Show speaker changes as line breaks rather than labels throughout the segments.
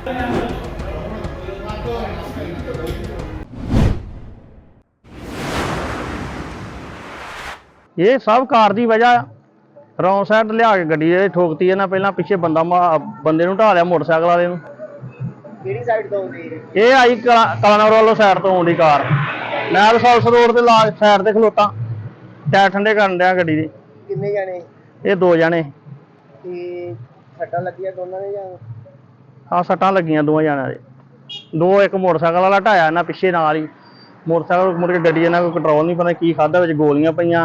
ਇਹ ਸਭ ਕਾਰ ਦੀ ਵਜ੍ਹਾ ਰੌਂਗ ਸਾਈਡ ਲਿਆ ਕੇ ਗੱਡੀ ਇਹ ਠੋਕਤੀ ਇਹਨਾਂ। ਪਹਿਲਾਂ ਪਿੱਛੇ ਬੰਦੇ ਨੂੰ ਢਾਹ ਲਿਆ ਮੋਟਰਸਾਈਕਲ ਵਾਲੇ ਨੂੰ।
ਕਿਹੜੀ ਸਾਈਡ ਤੋਂ ਆਉਂਦੀ ਹੈ?
ਇਹ ਆਈ ਕਲਾਨੌਰ ਵੱਲੋਂ ਸਾਈਡ ਤੋਂ ਆਉਂਦੀ ਕਾਰ। ਮੈਂ ਤਾਂ ਸੌਲਸ ਰੋਡ ਤੇ ਲਾ ਸਾਈਡ ਤੇ ਖਲੋਤਾ, ਟਾਇਰ ਠੰਡੇ ਕਰਨ ਡਿਆ ਗੱਡੀ ਦੇ।
ਕਿੰਨੇ ਜਾਣੇ?
ਇਹ 2 ਜਣੇ।
ਤੇ ਸੱਟਾਂ ਲੱਗੀਆਂ ਦੋਨਾਂ ਦੇ ਜਾਂ?
ਹਾਂ, ਸੱਟਾਂ ਲੱਗੀਆਂ ਦੋਵਾਂ ਜਣਿਆਂ ਦੇ। ਇੱਕ ਮੋਟਰਸਾਈਕਲ ਵਾਲਾ ਢਾਇਆ ਇਹਨਾਂ ਪਿੱਛੇ ਨਾਲ ਹੀ। ਮੋਟਰਸਾਈਕਲ ਮੁੜ ਕੇ ਗੱਡੀ ਇਹਨਾਂ ਕੋਈ ਕੰਟਰੋਲ ਨਹੀਂ, ਪਤਾ ਕੀ ਖਾਧਾ, ਵਿੱਚ ਗੋਲੀਆਂ ਪਈਆਂ,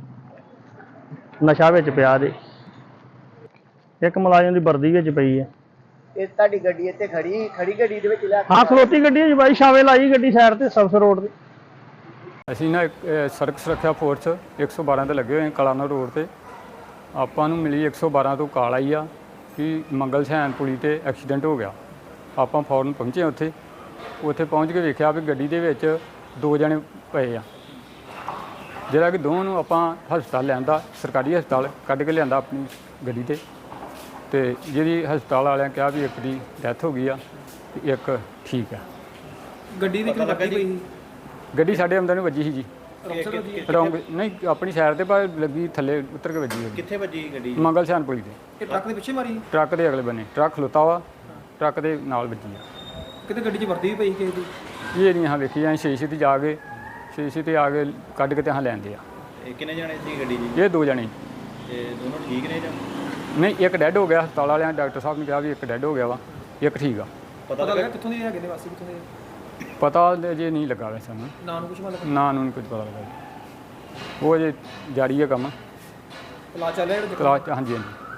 ਨਸ਼ਾ ਵਿੱਚ ਪਿਆ ਦੇ। ਇੱਕ ਮੁਲਾਜ਼ਮ ਦੀ ਵਰਦੀ ਵਿੱਚ ਪਈ ਹੈ।
ਇਹ ਤੁਹਾਡੀ ਗੱਡੀ ਇੱਥੇ ਖੜੀ ਗੱਡੀ ਦੇ ਵਿੱਚ ਲਿਆ?
ਹਾਂ, ਖਲੋਤੀ ਗੱਡੀ ਹੈ ਬਾਈ, ਛਾਵੇਂ ਲਾਈ ਗੱਡੀ ਸਾਈਡ ਤੇ ਸਬਸ ਰੋਡ ਤੇ।
ਅਸੀਂ ਨਾ ਸੜਕ ਸੁਰੱਖਿਆ ਫੋਰਸ 112 ਤੇ ਲੱਗੇ ਹੋਏ ਕਲਾਨੌਰ ਰੋਡ ਤੇ। ਆਪਾਂ ਨੂੰ ਮਿਲੀ 112 ਤੋਂ ਕਾਲ ਆਈ ਆ ਕਿ ਮੰਗਲ ਸ਼ੈਨ ਪੁਲੀ ਤੇ ਐਕਸੀਡੈਂਟ ਹੋ ਗਿਆ। ਆਪਾਂ ਫੌਰਨ ਪਹੁੰਚੇ ਉੱਥੇ ਪਹੁੰਚ ਕੇ ਵੇਖਿਆ ਵੀ ਗੱਡੀ ਦੇ ਵਿੱਚ 2 ਜਣੇ ਪਏ ਆ, ਜਿਹੜਾ ਕਿ ਦੋਵਾਂ ਨੂੰ ਆਪਾਂ ਹਸਪਤਾਲ ਲਿਆਂਦਾ, ਸਰਕਾਰੀ ਹਸਪਤਾਲ ਕੱਢ ਕੇ ਲਿਆਂਦਾ ਆਪਣੀ ਗੱਡੀ ਤੇ ਜਿਹਦੀ ਹਸਪਤਾਲ ਵਾਲਿਆਂ ਕਿਹਾ ਵੀ ਇੱਕ ਦੀ ਡੈਥ ਹੋ ਗਈ ਆ ਤੇ ਇੱਕ ਠੀਕ ਆ।
ਗੱਡੀ ਦੀ ਕਿੰਨੀ ਲੱਗੀ ਪਈ ਸੀ?
ਗੱਡੀ ਸਾਡੇ ਅੰਦਰ ਨੂੰ ਵੱਜੀ ਸੀ ਜੀ। ਰੌਂਗ ਨਹੀਂ, ਆਪਣੀ ਸਾਈਡ ਤੇ ਪਰ ਲੱਗੀ, ਥੱਲੇ ਉਤਰ ਕੇ ਵੱਜੀ ਹੋਈ।
ਕਿੱਥੇ ਵੱਜੀ ਗੱਡੀ?
ਮੰਗਲ ਸ਼ਾਨ ਪੁਲੀ ਤੇ।
ਇਹ ਟਰੱਕ ਦੇ ਪਿੱਛੇ ਮਾਰੀ?
ਟਰੱਕ ਦੇ ਅਗਲੇ ਬੰਨੇ ਟਰੱਕ ਖਲੋਤਾ ਵਾ, ਟਰੱਕ ਦੇ ਨਾਲ ਵੱਜੀ ਆ।
ਕਿਤੇ ਗੱਡੀ 'ਚ ਵਰਦੀ ਵੀ ਪਈ ਕਿਸੇ ਦੀ?
ਇਹ ਨਹੀਂ ਹਾਂ ਵੇਖੀ ਜਾਂ ਸ਼ੀਸ਼ੇ ਤੇ ਜਾ ਕੇ ਸ਼ੀਸ਼ੇ ਤੇ ਆ ਕੇ ਕੱਢ ਕੇ ਤੇ ਹਾਂ ਲੈਂਦੇ ਆ।
ਇਹ ਕਿੰਨੇ ਜਾਣੇ ਸੀ ਗੱਡੀ 'ਚ?
ਇਹ 2 ਜਣੇ।
ਤੇ ਦੋਨੋਂ ਠੀਕ ਨੇ ਜਾਂ?
ਨਹੀਂ, ਇੱਕ ਡੈੱਡ ਹੋ ਗਿਆ। ਹਸਪਤਾਲ ਵਾਲਿਆਂ ਡਾਕਟਰ ਸਾਹਿਬ ਨੇ ਕਿਹਾ ਵੀ ਇੱਕ ਡੈੱਡ ਹੋ ਗਿਆ ਵਾ, ਇੱਕ ਠੀਕ ਆ।
ਪਤਾ ਲੱਗਾ ਕਿੱਥੋਂ ਦੇ ਹੈਗੇ ਨੇ, ਵਾਸੀ ਕਿੱਥੋਂ ਦੇ?
ਪਤਾ ਜੇ ਨਹੀਂ ਲੱਗਾ ਵੈਸੇ ਸਾਨੂੰ,
ਨਾਂ ਨੂੰ ਕੁਝ ਮਤਲਬ?
ਨਾਂ ਨੂੰ ਨਹੀਂ ਕੁਝ ਪਤਾ ਲੱਗਾ। ਉਹ ਜੇ ਜਾਰੀ ਹੈ ਕੰਮ,
ਕਲਾਸ ਚੱਲ ਰਿਹਾ?
ਕਲਾਸ 'ਚ। ਹਾਂਜੀ ਹਾਂਜੀ।